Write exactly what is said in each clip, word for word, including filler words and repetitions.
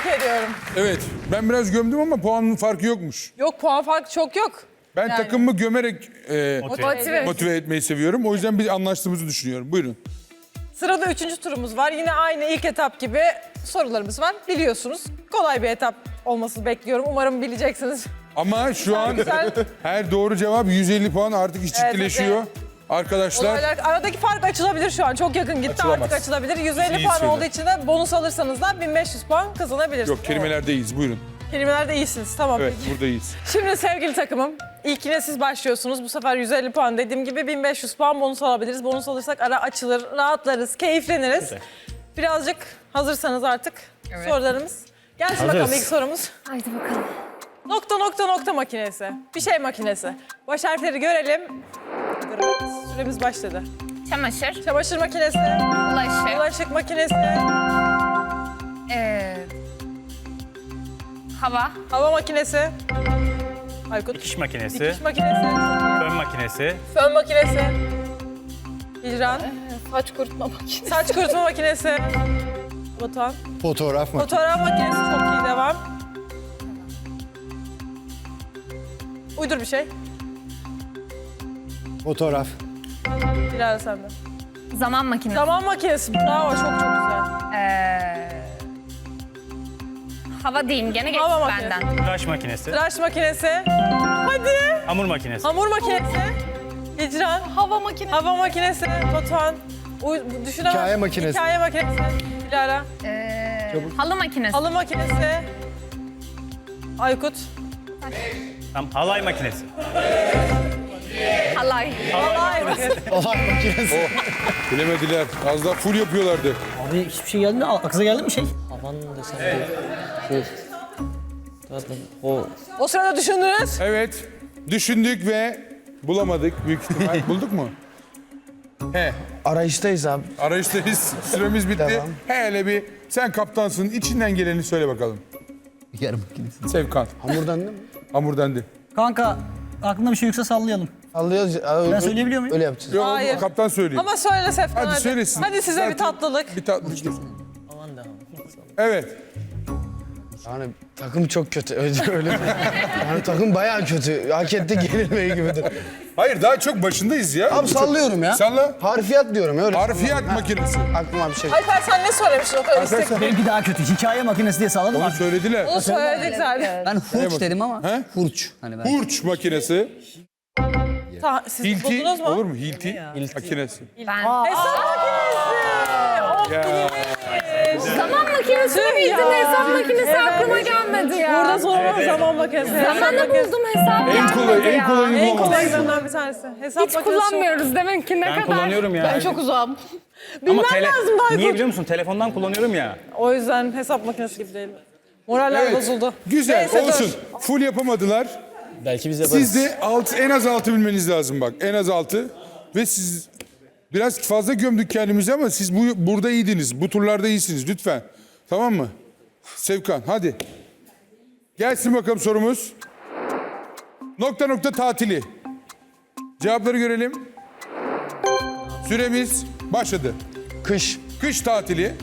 Tebrik ediyorum. Evet, ben biraz gömdüm ama puanın farkı yokmuş. Yok, puan farkı çok yok. Ben Yani. takımımı gömerek e, Motive. motive etmeyi seviyorum. O yüzden biz anlaştığımızı düşünüyorum. Buyurun. Sırada üçüncü turumuz var. Yine aynı ilk etap gibi sorularımız var. Biliyorsunuz. Kolay bir etap olmasını bekliyorum. Umarım bileceksiniz. Ama şu an Güzel. her doğru cevap yüz elli puan, artık iş ciddileşiyor. evet. Arkadaşlar Olaylar, aradaki fark açılabilir şu an. Çok yakın gitti. Açılamaz. Artık açılabilir. yüz elli İyi puan şeyler. olduğu için de bonus alırsanız da bin beş yüz puan kazanabilirsiniz. yok, kelimelerdeyiz. Buyurun. Kelimelerde iyisiniz. Tamam. Evet, peki. buradayız. Şimdi sevgili takımım, ilkine siz başlıyorsunuz. Bu sefer yüz elli puan, dediğim gibi bin beş yüz puan bonus alabiliriz. Bonus alırsak ara açılır, rahatlarız, keyifleniriz. Birazcık hazırsanız artık sorularımız. Gelsin bakalım ilk sorumuz. Haydi bakalım. Nokta nokta nokta makinesi. Bir şey makinesi. Baş harfleri görelim. Süremiz başladı. Çamaşır, Çamaşır makinesi, bulaşık, bulaşık makinesi, ee, hava, hava makinesi. Aykut. Dikiş makinesi, Dikiş makinesi. fön makinesi, Fön makinesi. Hicran. saç kurutma makinesi. Saç kurutma makinesi. Batuhan. Fotoğraf mı? Fotoğraf makinesi, çok iyi, devam. Uydur bir şey. Fotoğraf. Dilara sende. Zaman makinesi. Zaman makinesi. Bravo, çok çok güzel. Ee, hava diyeyim gene geçti Hava makinesi. benden. tıraş makinesi, Tıraş makinesi. Hadi. hamur makinesi, Hamur makinesi. Hicran. Hava makinesi. Hava makinesi. Batuhan. Uy, düşünemez. Hikaye makinesi. Hikaye makinesi. Dilara. Ee, halı makinesi. Halı makinesi. Aykut. tam halay makinesi, Halay. Halay makinesi. Olay makinesi. Bilemediler. Az daha full yapıyorlardı. Abi hiçbir şey geldi mi? Aklınıza geldi mi şey? Aman desem evet. Şey. Zaten o O sırada düşündünüz. Evet, düşündük ve bulamadık büyük ihtimal. Bulduk mu? He, Arayıştayız abi. arayıştayız. Süremiz bitti. Devam. Hele bir, sen kaptansın. İçinden geleni söyle bakalım. yer makinesi. Sevkan. Hamurdan değil mi? Hamur dendi. Kanka aklında bir şey yoksa sallayalım. Sallıyoruz. Ben söyleyebiliyor muyum? Öyle yapacağız. Yok, Hayır. kaptan söyleyeyim. Ama söyle Sefkan, hadi. Hadi söylesin. Hadi size bir Zaten tatlılık. Bir tatlılık. Aman da. Evet. Yani takım çok kötü. Öyle, öyle. Yani takım bayağı kötü. Hak etti gerilmeyi gibidir. Hayır, daha çok başındayız ya. Abi sallıyorum ya. Salla. Harfiyat diyorum öyle. Harfiyat makinesi. Aklıma bir şey. Alper, sen ne söylemiştin o kadar istek? Benimki daha kötü. Hikaye makinesi diye salladım Onu abi. söylediler. Onu söyledik zaten. Ben hurç dedim ama. He? Hurç. Hani ben. Hurç makinesi. Ta, siz Hilti. buldunuz mu? Olur mu? Hilti. Makinesi. Ben. Hesap makinesi. Of, Ya. Zaman makinesini bildin, hesap makinesi aklıma gelmedi ya. Burada sonra zaman makinesi. Hesap Zamanı makinesi. buldum, hesap En gelmedi kolay, en ya. kolayını En bulamadım. kolaylarından bir tanesi. Hesap Hiç makinesi kullanmıyoruz demek ki ne ben kadar. kullanıyorum ya. Ben çok uzağım. ama Bilmem lazım daha niye Aykut. biliyor musun? Telefondan kullanıyorum ya. O yüzden hesap makinesi gibi değil. Moraller Evet. bozuldu. Güzel, Neyse, dur. olsun. Full yapamadılar. Belki biz yaparız. Siz de altı, en az altı bilmeniz lazım bak. En az altı. Ve siz biraz fazla gömdük kendimizi ama siz bu, burada iyiydiniz. Bu turlarda iyisiniz lütfen. Tamam mı? Sevkan hadi. Gelsin bakalım sorumuz. Nokta nokta tatili. Cevapları görelim. Süremiz başladı. Kış. Kış tatili,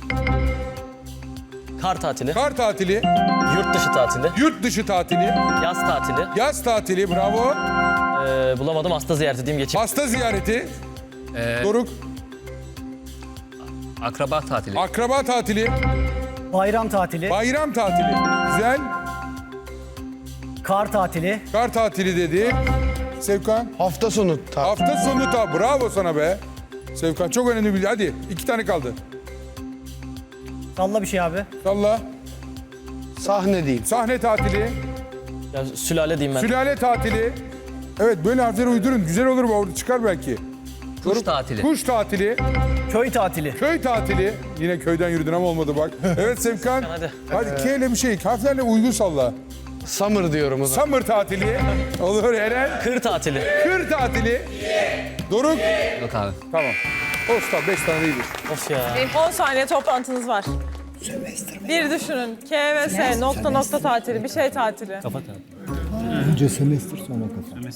Kar tatili, kar tatili, yurt dışı tatili, yurt dışı tatili, yaz tatili. yaz tatili, bravo. Ee, bulamadım hasta ziyareti diyeyim geçeyim. Hasta ziyareti, Doruk, Akraba tatili. akraba tatili, Bayram tatili, bayram tatili. Güzel. kar tatili, Kar tatili dedi. Sevkan. Hafta sonu. Ta- Hafta sonu ta. Bravo sana be. Sevkan çok önemli bir. Hadi iki tane kaldı. salla bir şey abi. Salla. Sahne diyeyim. Sahne tatili. Ya, sülale diyeyim ben. Sülale tatili. Evet böyle harfleri uydurun. Güzel olur mu? Orada çıkar belki. Kuş tatili. Kuş tatili. Köy tatili, Köy tatili. Yine köyden yürüdün ama olmadı bak. Evet Sevkan. Hadi. Hadi K ile bir şey. Harflerle uygun salla. Summer diyorum o zaman. Summer tatili. Olur Eren. Kır tatili. Kır tatili. Doruk. Yok abi. Tamam. Olsun beş tane iyidir. Of ya. on saniye toplantınız var. Bir düşünün. K ve S nokta nokta tatili, bir şey tatili. Kafa tatili. Önce semestr sonra kafa.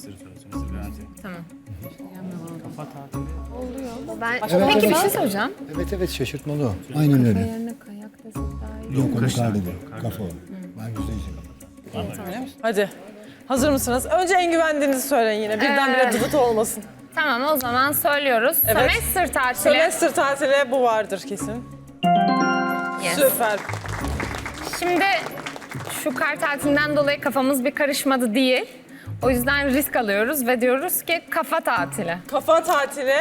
Ben... Peki bir şey soracağım. Evet evet şaşırtmalı o. Aynen öyle. Yerine kayak desek daha iyi. Yok o yukarıda. Kafa o. Ben yüzde yüz. Hadi. Hazır mısınız? Önce en güvendiğinizi söyleyin yine. Birdenbire Ee, dıvıt olmasın. Tamam o zaman söylüyoruz. Evet. Sömestr tatili. Sömestr tatili bu vardır kesin. Yes. Süper. Şimdi şu kar tatilinden dolayı kafamız bir karışmadı değil. O yüzden risk alıyoruz ve diyoruz ki kafa tatili. Kafa tatili.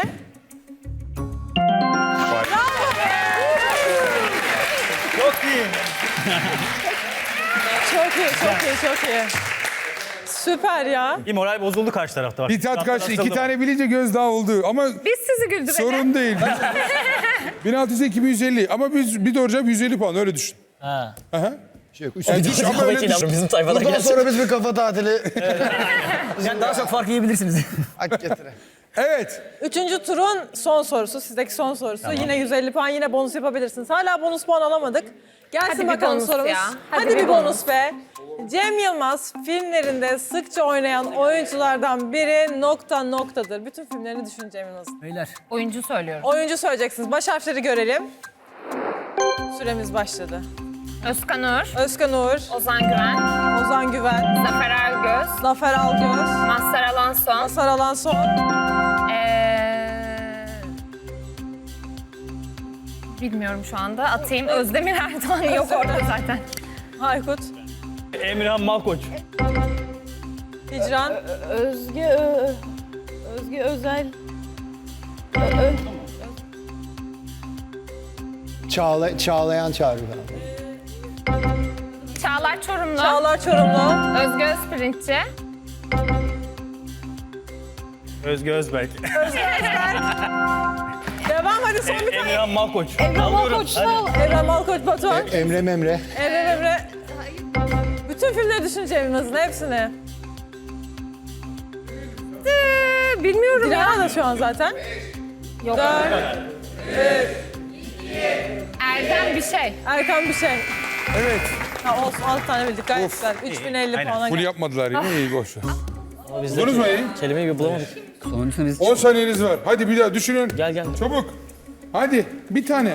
Çok iyi. Çok iyi, çok iyi, çok iyi. Süper ya. Bir moral bozuldu karşı tarafta. Bak. Bir tat Taraftar kaçtı. İki asıldı. tane bilince gözdağı oldu. Ama Biz sizi güldürelim. sorun değil. bin altı yüz iki bin yüz elli. Ama biz bir doğru cevap yüz elli puan öyle düşün. Ha. Aha. Şey yok. Yani düş- ama öyle düşün. Bizim tayfadan Bundan gelsin. sonra biz bir kafa tatili Yani daha çok fark yiyebilirsiniz. hak getire. Evet. Üçüncü turun son sorusu, sizdeki son sorusu. Yine yüz elli puan, yine bonus yapabilirsiniz. Hala bonus puan alamadık. Gelsin Hadi bir bakalım bonus sorumuz. ya. Hadi, Hadi bir bir bonus, bonus. be. Cem Yılmaz filmlerinde sıkça oynayan oyunculardan biri nokta noktadır. Bütün filmlerini düşün Cem Yılmaz'ın. Beyler. Oyuncu söylüyoruz. Oyuncu söyleyeceksiniz. Baş harfleri görelim. Süremiz başladı. Özkan Uğur, Özkan Uğur, Ozan Güven, Ozan Güven, Zafer Algöz, Zafer Algöz, Mazhar Alanson, Masar Alanson, ee... bilmiyorum şu anda. Atayım. Özdemir Erdoğan yok orada zaten. Aykut, Emirhan Malkoç. Hicran, Özge Ö- Özge Özel Ö- Ö- Çağla, çağlayan çağrı abi. Çağlar Çorumlu, Çağlar Çorumlu, Özge Özpirinççi, Özge Özberk. devam hadi son bir tane. Emirhan Malkoç. Evren Alıyorum. Malkoç'la Evren Malkoç Batuhan, Emre Memre. Emre Emre. Bütün filmleri düşün Cem Yılmaz'ın hepsini. Ee, bilmiyorum Dilara ya. da şu an zaten. Yok. Dört, Erdem bir şey. Erkan bir şey. Evet. Ha olsun altı tane bildik gayet güzel. üç bin elli Aynen. puana Full geldi. yapmadılar yine iyi boş ver. Ama biz Buldunuz mu iyi? kelimeyi bir bulamadık. Sonuncusunu biz on saniyeniz var. Hadi bir daha düşünün. Gel gel. Çabuk. Hadi bir tane.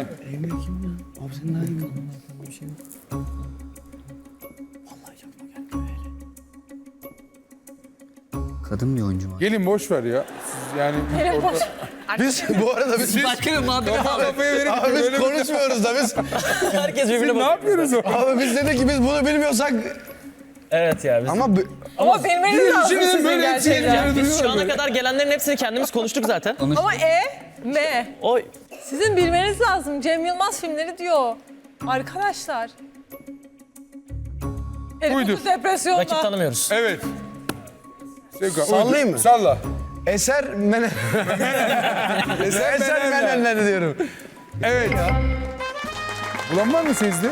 kadın bir oyuncu var. Gelin boş ver ya. Siz yani Biz bu arada biz, Başka bir muhabbet kafa kafaya verip abi biz böyle konuşmuyoruz da biz. Herkes birbirine ne bakıyor. yapıyoruz o? Abi biz dedik ki biz bunu bilmiyorsak Evet ya biz. ama bu- Ama bilmeniz lazım Düşünün sizin böyle gerçekten. hepsi Biz şu duruyorlar ana böyle. kadar gelenlerin hepsini kendimiz konuştuk zaten. Ama E, M. Oy. Sizin bilmeniz lazım. Cem Yılmaz filmleri diyor. Arkadaşlar. Buydu. Herif depresyonda. Rakip tanımıyoruz. Evet. Sevkan, Sallayayım uydur. mı? Salla. Eser Menen. Eser, Eser Menenler. Menenler diyorum. Evet. Bulan var mı sizde?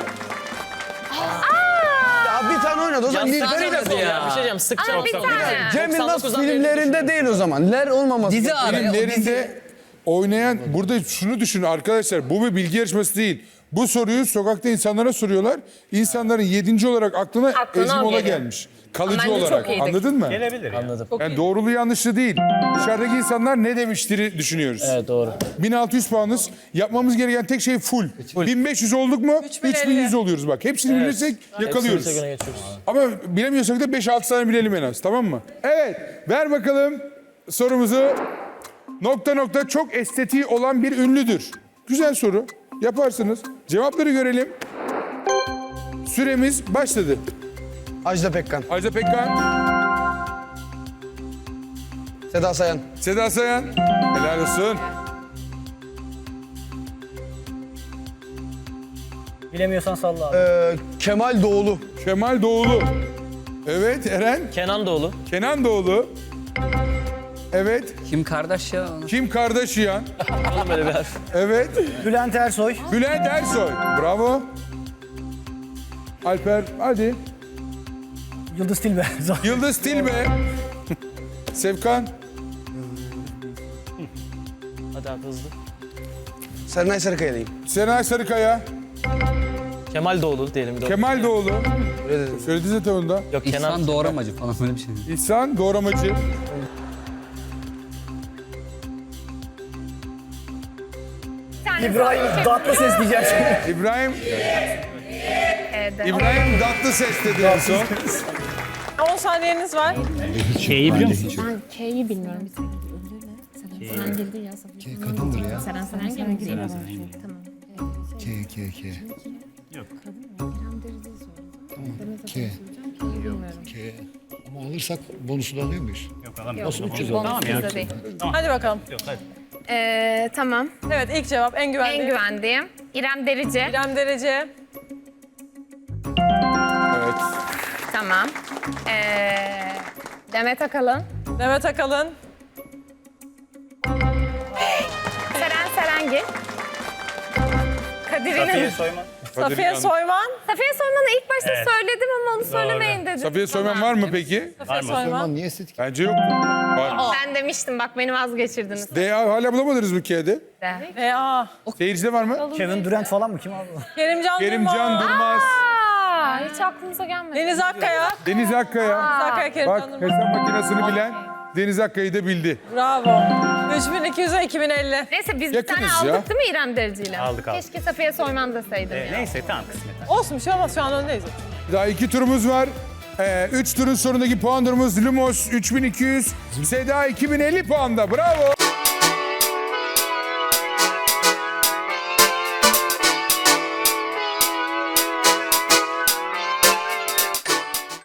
Ya bir tane oynadı o zaman Nilperi de Sıkça ya. Bir şey diyeceğim sıkça. Aa, bir tane. Cem Yılmaz doksan dokuzdan filmlerinde değil o zaman. Ler olmaması. Dizi abi. o dizi. Filmlerinde oynayan, burada şunu düşünün arkadaşlar, bu bir bilgi yarışması değil. Bu soruyu sokakta insanlara soruyorlar. İnsanların yedinci olarak aklına, Aklına Ezgi o Mola geliyor. gelmiş. Kalıcı Bence çok olarak. iyiydik. Anladın mı? Gelebilir ya. Anladım. Yani doğruluğu yanlışlı değil. Dışarıdaki insanlar ne demiştir düşünüyoruz. Evet doğru. bin altı yüz puanız. Yapmamız gereken tek şey full. bin beş yüz olduk mu? üç bin elli. üç bin yüz oluyoruz bak. Hepsini bilirsek yakalıyoruz. Hepsini geçiyoruz. Ama bilemiyorsak da beş altı tane bilelim en az, tamam mı? Evet, ver bakalım sorumuzu. Nokta nokta çok estetiği olan bir ünlüdür. Güzel soru. Yaparsınız. Cevapları görelim. Süremiz başladı. Ajda Pekkan. Ajda Pekkan, Seda Sayan. Seda Sayan. Helal olsun. Bilemiyorsan salla abi. Ee, Kemal Doğulu. Kemal Doğulu. Evet, Eren. Kenan Doğulu. Kenan Doğulu. Evet. Kim kardeş ya? Kim Kardashian. Oğlum böyle bir harf. Evet. Bülent Ersoy. Bülent Ersoy. Bravo. Alper, hadi. Yıldız Tilbe. Yıldız Tilbe. Sevkan. Hadi abi hızlı. Serenay Sarıkaya'lıyım. Senay Sarıkaya. Kemal Doğulu diyelim bir de. Kemal Doğulu. Öyle dedim. Söyledi zaten onda. Yok Kenan. İhsan Doğramacı falan böyle bir şey. İhsan Doğramacı. Bir tane İbrahim söyle. Tatlıses diyeceğim. İbrahim E'de. İbrahim Tatlıses dedi en son. on saniyeniz var. K'yi biliyor musun? Ben K'yi bilmiyorum. Bir Seren girdi ya. K kadındır ya. Seren Seren girdi. Tamam. K, K, K. Yok. K. K. Ama alırsak bonusunu alıyor muyuz? Yok alamıyorum. Nasıl üç yüz Bonus Tamam ya. bizde değil. Hadi bakalım. Yok hadi. Ee, tamam. Evet ilk cevap en güvenli. En güvendiğim. İrem Derici. İrem Derece. Evet. Tamam. Ee, Demet Akalın. Demet Akalın. Seren Serengil. Kadir Safiye İnanır. Soyman. Safiye Soyman. Safiye Soyman'ı ilk başta Evet. söyledim ama onu söylemeyin dedim. Safiye Soyman var mı peki? Safiye mı? Soyman. Aman niye estetik? Bence yok. Var. Ben demiştim bak beni vazgeçirdiniz. D A hala bulamadınız mı K'de? E, aa. Seyircide var mı? Kevin Durant falan mı? Kim abi? Kerimcan Kerimcan Durmaz. Durmaz. Aa, hiç aklımıza gelmedi. Deniz Akkaya. Deniz Akkaya. Deniz Akkaya, Bak Kerimcan Durmaz. hesap makinesini bilen Deniz Akkaya'yı da bildi. Bravo. üç bin iki yüze iki bin elli. Neyse biz bir Yakınız tane ya. aldık değil mi İrem Derici'yle? Aldık, aldık. Keşke Safiye Soyman deseydim Ee, ya. neyse tamam kısmet. Olsun bir şey olmaz şu an öndeyiz. Daha iki turumuz var. Ee, üç turun sonundaki puan durumumuz Lumos üç bin iki yüz, Seda iki bin elli puanda. Bravo.